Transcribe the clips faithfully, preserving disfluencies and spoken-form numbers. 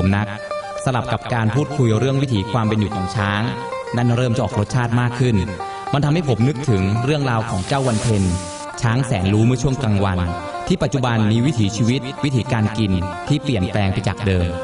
ำนักสลับกับการพูดคุยเรื่องวิถีความเป็นอยู่ของช้างนั่นเริ่มจะออกรสชาติมากขึ้นมันทำให้ผมนึกถึงเรื่องราวของเจ้าวันเพ็ญช้างแสนรู้เมื่อช่วงกลางวันที่ปัจจุบันมีวิถีชีวิตวิถีการกินที่เปลี่ยนแปลงไปจากเดิม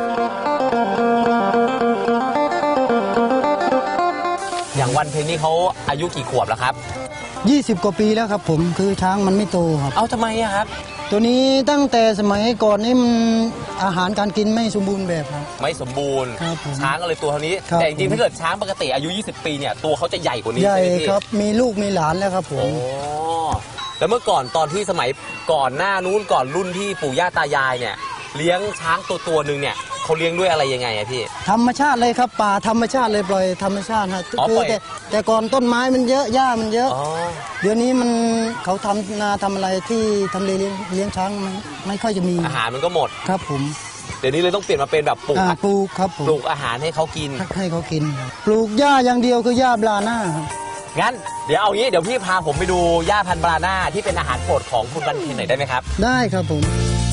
อย่างวันเพ็ญนี่เขาอายุกี่ขวบแล้วครับยี่สิบกว่าปีแล้วครับผมคือช้างมันไม่โตครับเอาทำไมอะครับตัวนี้ตั้งแต่สมัยก่อนนี่มันอาหารการกินไม่สมบูรณ์แบบครับไม่สมบูรณ์ช้างก็เลยตัวเท่านี้แต่จริงๆถ้าเกิดช้างปกติอายุยี่สิบปีเนี่ยตัวเขาจะใหญ่กว่านี้ใหญ่ครับมีลูกมีหลานแล้วครับผมแล้วเมื่อก่อนตอนที่สมัยก่อนหน้านู้นก่อนรุ่นที่ปู่ย่าตายายเนี่ยเลี้ยงช้างตัวตัวหนึ่งเนี่ยเขาเลี้ยงด้วยอะไรยังไงอะพี่ธรรมชาติเลยครับป่าธรรมชาติเลยปล่อยธรรมชาติฮะคือแต่แต่ก่อนต้นไม้มันเยอะหญ้ามันเยอะเดี๋ยวนี้มันเขาทำนาทำอะไรที่ทำเลเลี้ยงช้างไม่ไม่ค่อยจะมีอาหารมันก็หมดครับผมเดี๋ยวนี้เลยต้องเปลี่ยนมาเป็นแบบปลูกปลูกครับผมปลูกอาหารให้เขากินให้เขากินปลูกหญ้าอย่างเดียวคือหญ้าบลาน่างั้นเดี๋ยวเอางี้เดี๋ยวพี่พาผมไปดูหญ้าพันธุ์บลาน่าที่เป็นอาหารโปรดของคุณวันเพ็ญหน่อยได้ไหมครับได้ครับผม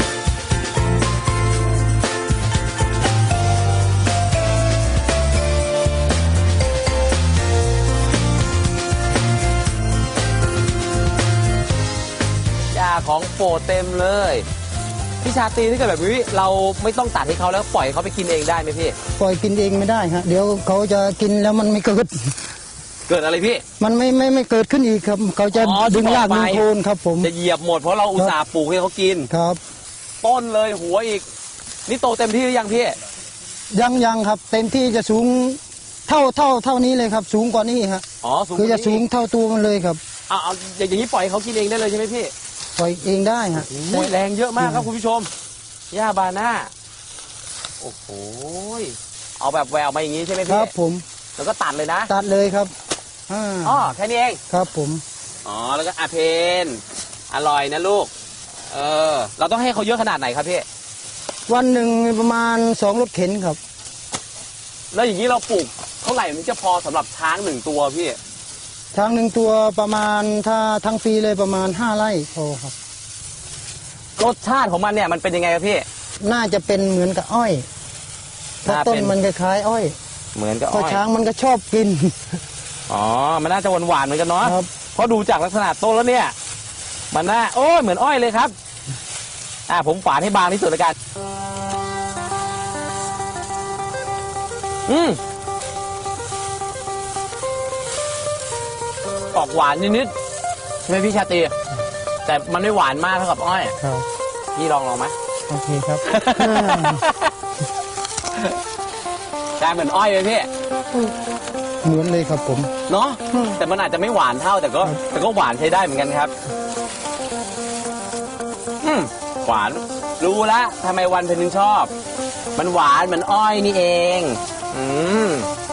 ของโปรดเต็มเลยพี่ชาตรีถ้าเกิดแบบนี้เราไม่ต้องตัดให้เขาแล้วปล่อยเขาไปกินเองได้ไหมพี่ปล่อยกินเองไม่ได้ครับเดี๋ยวเขาจะกินแล้วมันไม่เกิดเกิดอะไรพี่มันไม่ไม่ไม่เกิดขึ้นอีกครับเขาจะดึงรากดึงโคนครับผมจะเหยียบหมดเพราะเราอุตส่าห์ปลูกให้เขากินครับต้นเลยหัวอีกนี่โตเต็มที่หรือยังพี่ยังยังครับเต็มที่จะสูงเท่าเท่าเท่านี้เลยครับสูงกว่านี้ครับอ๋อคือจะสูงเท่าตัวมันเลยครับเอาเอาอย่างนี้ปล่อยเขากินเองได้เลยใช่ไหมพี่ปล่อยเองได้ฮะแรงเยอะมากครับคุณผู้ชมหญ้าบาน่าโอ้โหเอาแบบแววมาอย่างนี้ใช่ไหมพี่ครับผมแล้วก็ตัดเลยนะตัดเลยครับอ๋อแค่นี้เองครับผมอ๋อแล้วก็อาเพนอร่อยนะลูกเออเราต้องให้เขาเยอะขนาดไหนครับพี่วันหนึ่งประมาณสองรถเข็นครับแล้วอย่างนี้เราปลูกเท่าไหร่มันจะพอสำหรับช้างหนึ่งตัวพี่ช้างหนึ่งตัวประมาณถ้าทั้งปีเลยประมาณห้าไร่พอครับรสชาติของมันเนี่ยมันเป็นยังไงครับพี่น่าจะเป็นเหมือนกับอ้อยเพราะต้นมันคล้ายอ้อยเหมือนกับอ้อยเพราะช้างมันก็ชอบกินอ๋อมันน่าจะหวานหวานเหมือนกันเนาะเพราะดูจากลักษณะต้นแล้วเนี่ยมันน่าโอ้ยเหมือนอ้อยเลยครับอ่าผมฝานให้บางที่สุดเลยกันอืมออกหวานนิดๆใช่ไหมพี่ชาตรีแต่มันไม่หวานมากเท่ากับอ้อยพี่ลองลองไหมโอเคครับได้เหมือนอ้อยเลยพี่เหมือนเลยครับผมเนาะแต่มันอาจจะไม่หวานเท่าแต่ก็แต่ก็หวานใช้ได้เหมือนกันครับอืมหวานรู้ละทำไมวันเพ็ญถึงชอบมันหวานเหมือนอ้อยนี่เองอืม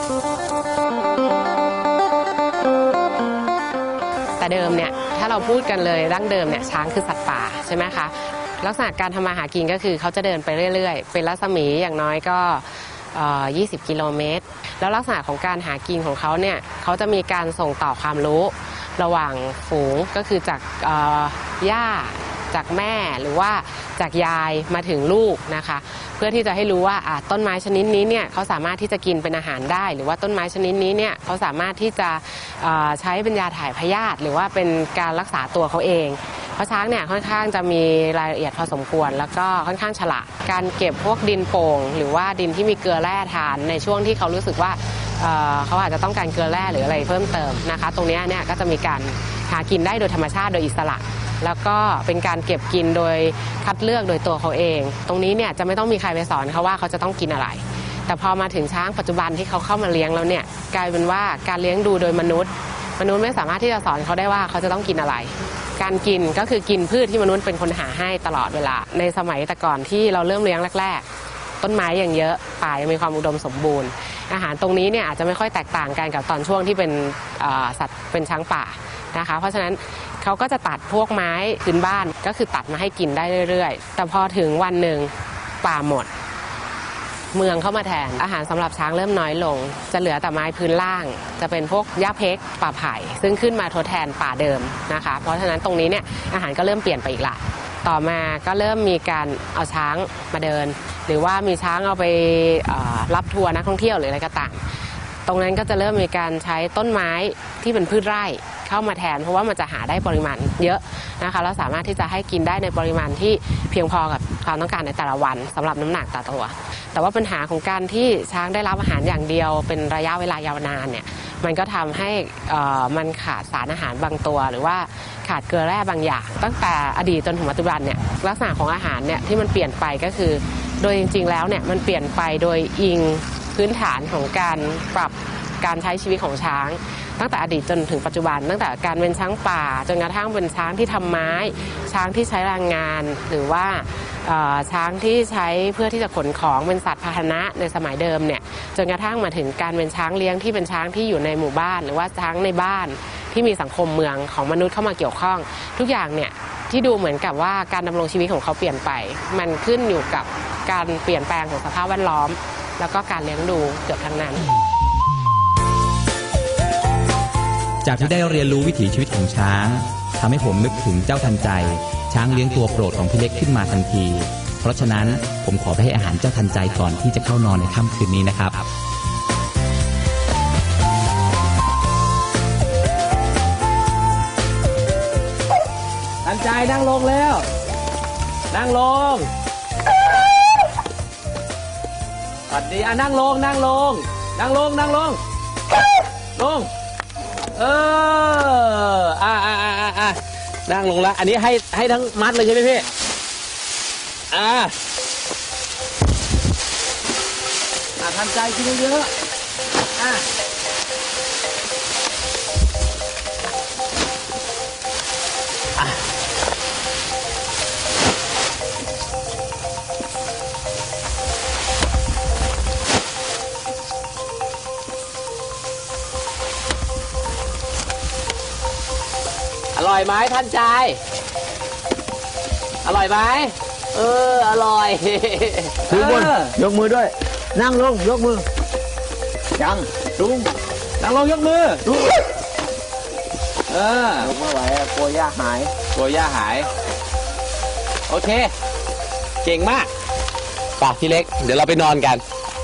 แต่เดิมเนี่ยถ้าเราพูดกันเลยดั้งเดิมเนี่ยช้างคือสัตว์ป่าใช่ไหมคะลักษณะการทำมาหากินก็คือเขาจะเดินไปเรื่อยๆเป็นรัศมีอย่างน้อยก็ยี่สิบกิโลเมตรแล้วลักษณะของการหากินของเขาเนี่ยเขาจะมีการส่งต่อความรู้ระหว่างฝูงก็คือจากย่าจากแม่หรือว่าจากยายมาถึงลูกนะคะเพื่อที่จะให้รู้ว่าต้นไม้ชนิดนี้เนี่ยเขาสามารถที่จะกินเป็นอาหารได้หรือว่าต้นไม้ชนิดนี้เนี่ยเขาสามารถที่จะใช้เป็นยาถ่ายพยาธิหรือว่าเป็นการรักษาตัวเขาเองเพราะช้างเนี่ยค่อนข้างจะมีรายละเอียดพอสมควรแล้วก็ค่อนข้างฉลาดการเก็บพวกดินโป่งหรือว่าดินที่มีเกลือแร่ทานในช่วงที่เขารู้สึกว่าเขาอาจจะต้องการเกลือแร่หรืออะไรเพิ่มเติมนะคะตรงนี้เนี่ยก็จะมีการหากินได้โดยธรรมชาติโดยอิสระแล้วก็เป็นการเก็บกินโดยคัดเลือกโดยตัวเขาเองตรงนี้เนี่ยจะไม่ต้องมีใครไปสอนเขาว่าเขาจะต้องกินอะไรแต่พอมาถึงช้างปัจจุบันที่เขาเข้ามาเลี้ยงแล้วเนี่ยกลายเป็นว่าการเลี้ยงดูโดยมนุษย์มนุษย์ไม่สามารถที่จะสอนเขาได้ว่าเขาจะต้องกินอะไรการกินก็คือกินพืชที่มนุษย์เป็นคนหาให้ตลอดเวลาในสมัยแต่ก่อนที่เราเริ่มเลี้ยงแรกๆต้นไม้อย่างเยอะป่ายังมีความอุดมสมบูรณ์อาหารตรงนี้เนี่ยอาจจะไม่ค่อยแตกต่างกันกับตอนช่วงที่เป็นสัตว์เป็นช้างป่านะคะเพราะฉะนั้นเขาก็จะตัดพวกไม้พื้นบ้านก็คือตัดมาให้กินได้เรื่อยๆแต่พอถึงวันหนึ่งป่าหมดเมืองเข้ามาแทนอาหารสำหรับช้างเริ่มน้อยลงจะเหลือแต่ไม้พื้นล่างจะเป็นพวกหญ้าเพกป่าไผ่ซึ่งขึ้นมาทดแทนป่าเดิมนะคะเพราะฉะนั้นตรงนี้เนี่ยอาหารก็เริ่มเปลี่ยนไปอีกละต่อมาก็เริ่มมีการเอาช้างมาเดินหรือว่ามีช้างเอาไปรับทัวร์นักท่องเที่ยวหรืออะไรก็ตามตรงนั้นก็จะเริ่มมีการใช้ต้นไม้ที่เป็นพืชไร่เข้ามาแทนเพราะว่ามันจะหาได้ปริมาณเยอะนะคะแล้วสามารถที่จะให้กินได้ในปริมาณที่เพียงพอกับความต้องการในแต่ละวันสำหรับน้ำหนักต่อตัวแต่ว่าปัญหาของการที่ช้างได้รับอาหารอย่างเดียวเป็นระยะเวลายาวนานเนี่ยมันก็ทำให้มันขาดสารอาหารบางตัวหรือว่าขาดเกลือแร่บางอย่างตั้งแต่อดีตจนถึงปัจจุบันเนี่ยลักษณะของอาหารเนี่ยที่มันเปลี่ยนไปก็คือโดยจริงๆแล้วเนี่ยมันเปลี่ยนไปโดยอิงพื้นฐานของการปรับการใช้ชีวิตของช้างตั้งแต่อดีตจนถึงปัจจุบันตั้งแต่การเป็นช้างป่าจนกระทั่งเป็นช้างที่ทำไม้ช้างที่ใช้แรงงานหรือว่าช้างที่ใช้เพื่อที่จะขนของเป็นสัตว์พาหนะในสมัยเดิมเนี่ยจนกระทั่งมาถึงการเป็นช้างเลี้ยงที่เป็นช้างที่อยู่ในหมู่บ้านหรือว่าช้างในบ้านที่มีสังคมเมืองของมนุษย์เข้ามาเกี่ยวข้องทุกอย่างเนี่ยที่ดูเหมือนกับว่าการดำรงชีวิตของเขาเปลี่ยนไปมันขึ้นอยู่กับการเปลี่ยนแปลงของสภาพแวดล้อมแล้วก็การเลี้ยงดูเกือบทั้งนั้นจากที่ได้เรียนรู้วิถีชีวิตของช้างทำให้ผมนึกถึงเจ้าทันใจช้างเลี้ยงตัวโปรดของพี่เล็กขึ้นมาทันทีเพราะฉะนั้นผมขอไปให้อาหารเจ้าทันใจก่อนที่จะเข้านอนในค่ำคืนนี้นะครับทันใจนั่งลงแล้วนั่งลงสวัสดีอ่ะนั่งลงนั่งลงนั่งลงนั่งลงลงเอออ่าอ่าอ่าอ่านั่งลงแล้วอันนี้ให้ให้ทั้งมัดเลยใช่ไหมพี่อ่าอ่าทันใจกินเยอะๆอ่าอร่อยไหมท่านใจอร่อยไหมเอออร่อยทุกคนยกมือด้วยนั่งลงยกมือยังลุงนั่งลงยกมือเออยกไม่ไหวกลัวย่าหายกลัวย่าหายโอเคเก่งมากป่ะพี่เล็กเดี๋ยวเราไปนอนกัน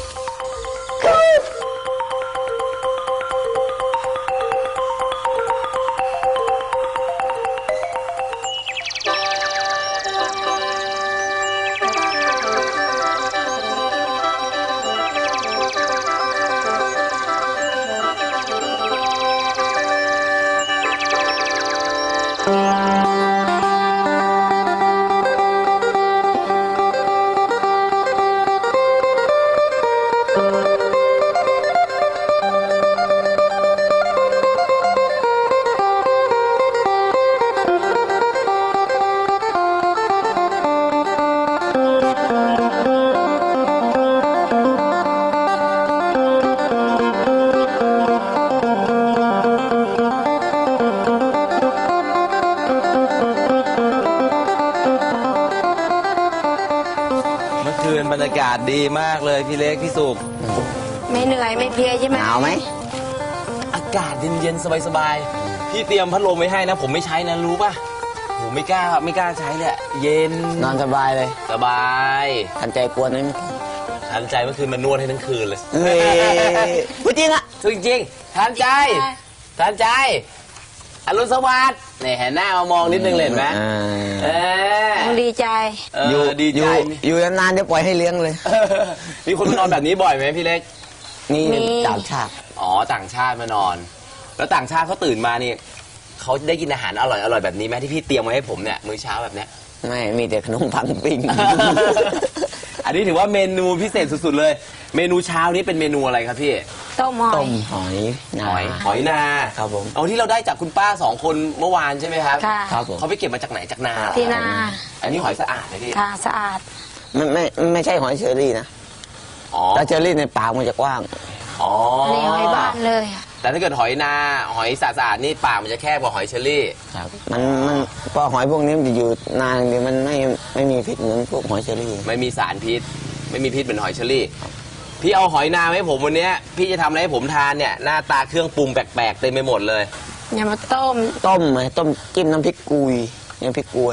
บรรยากาศดีมากเลยพี่เล็กพี่สุกไม่เหนื่อยไม่เพลียใช่ไหมหนาวไหมอากาศเย็นๆสบายๆพี่เตรียมพัดลมไว้ให้นะผมไม่ใช้นะรู้ป่ะโหไม่กล้าไม่กล้าใช้เลยเย็นนอนสบายเลยสบายทันใจกวนไหมทันใจเมื่อคืนมันนวดให้ทั้งคืนเลยเฮ้ยพูดจริงอะจริงจริงทันใจทันใจอรุณสวัสดิ์เนี่ยเห็นหน้ามามองนิดนึงเลยเห็นไหมเออดีใจอยู่ดีใจอยู่นานๆจะปล่อยให้เลี้ยงเลยมีคนมานอนแบบนี้บ่อยไหมพี่เล็กนี่ต่างชาติอ๋อต่างชาติมานอนแล้วต่างชาติเขาตื่นมานี่เขาได้กินอาหารอร่อยอร่อยแบบนี้ไหมที่พี่เตรียมไว้ให้ผมเนี่ยมื้อเช้าแบบเนี้ยไม่มีแต่ขนมปังปิ้งอันนี้ถือว่าเมนูพิเศษสุดๆเลยเมนูเช้านี้เป็นเมนูอะไรครับพี่ต้มหอยต้มหอยหอยหอยนาครับผมเอาที่เราได้จากคุณป้าสองคนเมื่อวานใช่ไหมครับครับผมเขาไปเก็บมาจากไหนจากนาที่นาอันนี้หอยสะอาดเลยพี่ค่ะสะอาดไม่ไม่ไม่ใช่หอยเชอรี่นะอ๋อแต่เชอรี่ในปากมันจะกว้างอ๋อนี่หอยบ้านเลยแต่ถ้าเกิดหอยนาหอยสะอาดนี่ปากมันจะแคบกว่าหอยเชอรี่ครับมันมันพอหอยพวกนี้มันจะอยู่นานเดี๋ยวมันไม่ไม่มีพิษเหมือนพวกหอยเชอรี่ไม่มีสารพิษไม่มีพิษเหมือนหอยเชอรี่พี่เอาหอยนาให้ผมวันนี้พี่จะทำอะไรให้ผมทานเนี่ยหน้าตาเครื่องปรุงแปลกๆเต็มไปหมดเลยอย่ามาต้มต้มไหมต้มจิ้มน้ำพริกกุยน้ำพริกกุย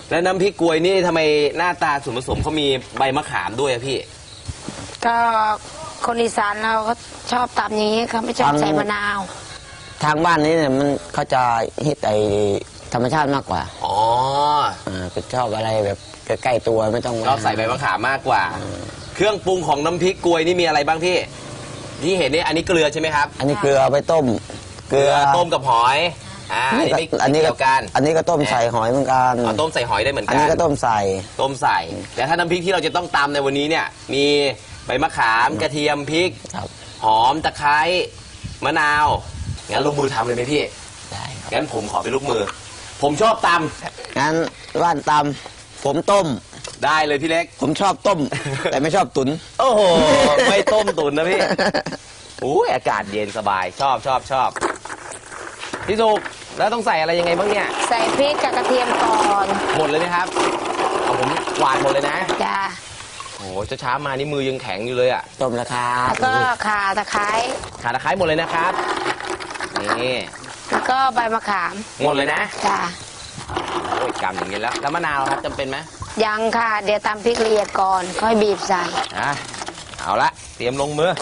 แล้วน้ำพริกกล้วยนี่ทำไมหน้าตาส่วนผสมเขามีใบมะขามด้วยอะพี่ก็คนอีสานเราก็ชอบตำอย่างนี้เขาไม่ชอบใส่มะนาวทางบ้านนี้เนี่ยมันเขาจะฮิตไอธรรมชาติมากกว่าอ๋ออ่าเป็นชอบอะไรแบบใกล้ๆตัวไม่ต้องชอบใส่ใบมะขามมากกว่า เครื่องปรุงของน้ำพริกกล้วยนี่มีอะไรบ้างพี่ ที่เห็นนี่อันนี้เกลือใช่ไหมครับอันนี้เกลือเอาไปต้มเกลือต้มกับหอย อ่า อันนี้ไม่อันนี้ไม่ก็เกี่ยวกันอันนี้ก็ต้มใส่หอยเหมือนกันเอาต้มใส่หอยได้เหมือนอักัน นนี้ก็ต้มใส่ต้มใส่ แล้วถ้าน้ำพริกที่เราจะต้องตำในวันนี้เนี่ย มีใบมะขามกระเทียมพริกครับหอมตะไคร้มะนาวงั้นลงมือทำเลยไหมพี่ได้ครับงั้นผมขอเป็นลูกมือ ผมชอบตงั้นว่านตำผมต้มำได้เลยพี่เล็กผมชอบต้ม แต่ไม่ชอบตุ๋นโอ้โห ไม่ต้มตุ๋นนะพี่ อุ้ยอากาศเย็นสบายชอบชอบชอบพี่สุกแล้วต้องใส่อะไรยังไงบ้างเนี่ยใส่พริกกับกระเทียมก่อนหมดเลยไหมครับเอาผมหวานหมดเลยนะจ้าโอ้โหจะช้ามานี่มือยังแข็งอยู่เลยอ่ะต้มแล้วครัแล้บวก็ข่าตะไคร้ขาตะไคร้หมดเลยนะครับนี่แล้วก็ใบมะขามหมดเลยนะจ้าโอ้ยกำอย่างนี้แล้ว แล้วมะนาวครับจำเป็นไหมยังค่ะ เดี๋ยวตำพริกละเอียดก่อน ค่อยบีบใส่อ่ะเอาละเตรียมลงมือ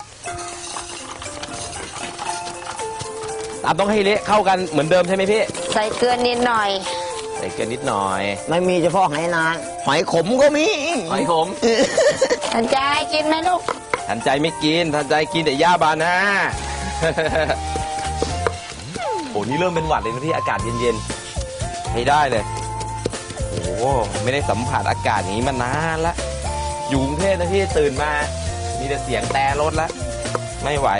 ตามต้องให้เละเข้ากันเหมือนเดิมใช่ไหมพี่ใส่เกลือนิดหน่อยใส่เกลือนิดหน่อยไม่มีเฉพาะหอยนางหอยขมก็มีหอยขมทันใจกินไหมลูกทันใจไม่กินทันใจกินแต่ย่าบานา โอ้นี่เริ่มเป็นหวัดเลยนะพี่อากาศเย็นๆไม่ได้เลยโอ้ไม่ได้สัมผัสอากาศอย่างนี้มานานละอยู่กรุงเทพนะพี่ตื่นมา มีแต่เสียงแต่รถละไม่ไหว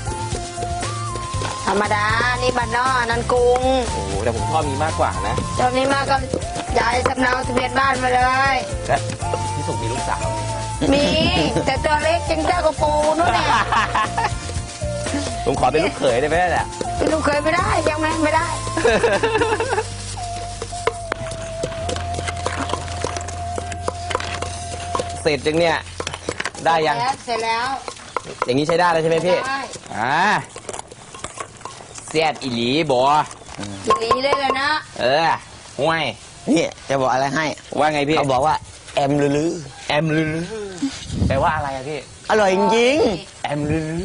ธรรมดา นี่บ้านนอกนันกรุงโอ้โหแต่ผมชอบนี้มากกว่านะตอนนี้มาก็ย้ายสำเนาทะเบียนบ้านมาเลยและพี่สุกมีลูกสาวไหมครับมี แต่ตัวเล็กจังเจ้ากระปูนู่นเนี่ยผมขอเป็นลูกเขยได้ไหมเนี่ยลูกเคยไม่ได้ยังไม่ไม่ได้เสร็จจังเนี่ยได้ยังเสร็จแล้วอย่างนี้ใช้ได้แล้วใช่ไหมพี่ได้อ่าเสียดอีหลีบอกินหลีเลยเลยนะเออห่วยนี่จะบอกอะไรให้ว่าไงพี่เขาบอกว่าแอมลือแอมลือแปลว่าอะไรอะพี่ๆอร่อยจริงแอมลือ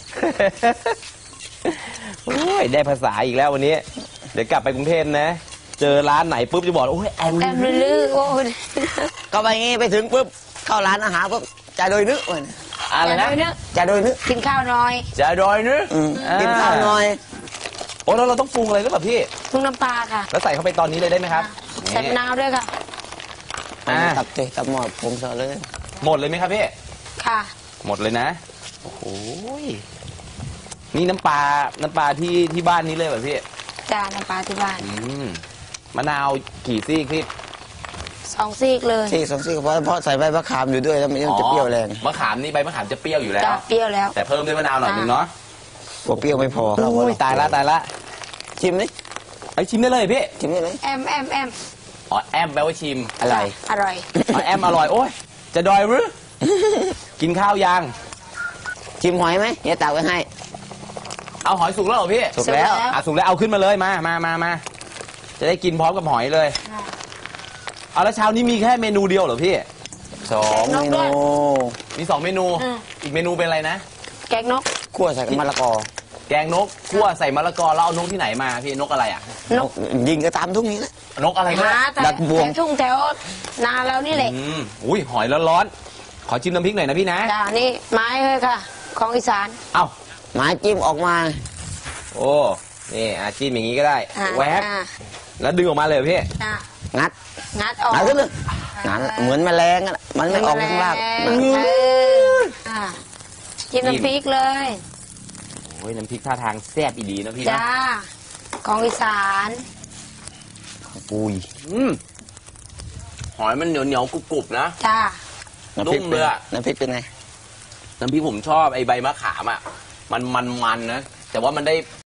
โอ้ยได้ภาษาอีกแล้ววันนี้ เดี๋ยวกลับไปกรุงเทพนะ เจอร้านไหนปุ๊บจะบอกโอ้ยแอมแอมลือลือๆโอ้ยๆก็ไปงี้ไปถึงปุ๊บเข้าร้านอาหารปุ๊บจ่ายโดยนึกมันอะไรนะอย่าเลยเนอะจ่ายโดยนึกกินข้าวหน่อยจะดอยนึอืมกินข้าวหน่อยโอ้แล้วเราต้องปรุงอะไรหรือเปล่าพี่ปรุงน้ำปลาค่ะแล้วใส่เข้าไปตอนนี้เลยได้ไหมครับใส่มะนาวด้วยค่ะอ่าตับเตะตับหมอดผมเสร็จเลยหมดเลยไหมครับพี่ค่ะหมดเลยนะ โอ้โหยนี่น้ำปลา น้ำปลาที่ที่บ้านนี้เลยเหรอพี่จานน้ำปลาที่บ้านอืมมะนาวกี่ซี่พี่สองซีกเลยที่สองซี่ก็เพราะเพราะใส่ใบมะขามอยู่ด้วยแล้วมันจะเปรี้ยวแรงมะขามนี่ใบมะขามจะเปรี้ยวอยู่แล้วจะเปรี้ยวแล้วแต่เพิ่มด้วยมะนาวหน่อยนึงเนาะกลัวเปรี้ยวไม่พอโอ้ยตายละตายละชิมดิไอยชิมได้เลยพี่ชิมได้เลยแอมแอมแอมอ๋อแอมแปลว่าชิมอะไรอร่อยอ๋อแอมอร่อยโอ้ยจะดอยหรือ กินข้าวยังชิมหอยไหมเนี่ยตักไว้ให้เอาหอยสุกแล้วเหรอพี่สุกแล้วอ่ะสุกแล้วเอาขึ้นมาเลยมามามามาจะได้กินพร้อมกับหอยเลยเอาแล้วเช้านี้มีแค่เมนูเดียวเหรอพี่สองเมนูมีสองเมนูอืมอีกเมนูเป็นอะไรนะแกงนกคั่วใส่กับมะละกอแกงนกคั่วใส่มะละกอแล้วเอานกที่ไหนมาพี่นกอะไรอ่ะนกยิงก็ตามทุ่งนี้แหละนกอะไรหานะแต่ดักบวงแถวทุ่งแถวนาเรานี่แหละอืมอุ้ยหอยร้อนๆขอชิมน้ำพริกหน่อยนะพี่นะจ้านี่ไม้เลยค่ะ ของอีสานเอ้าหมายจิ้มออกมาโอ้นี่อาจิ้มอย่างนี้ก็ได้อ่าแวบอ่าแล้วดึงออกมาเลยเหรอพี่อ่างัดงัดออกงัดขึ้นเลยงัดเหมือนแมลงอะมันไม่ออกข้างล่างแมลงเอออ่ากินน้ำพริกเลยโอ้ยน้ำพริกท่าทางแซ่บอีดีนะพี่นะจ้า ของอีสานปุยอืมหอยมันเหนียวเหนียวๆกรุบๆนะจ้าน้ำพริกนุ่มเลยอะน้ำพริกเป็นไงน้ำพริกผมชอบไอ้ใบมะขามอ่ะมันมันมันๆนะแต่ว่ามันได้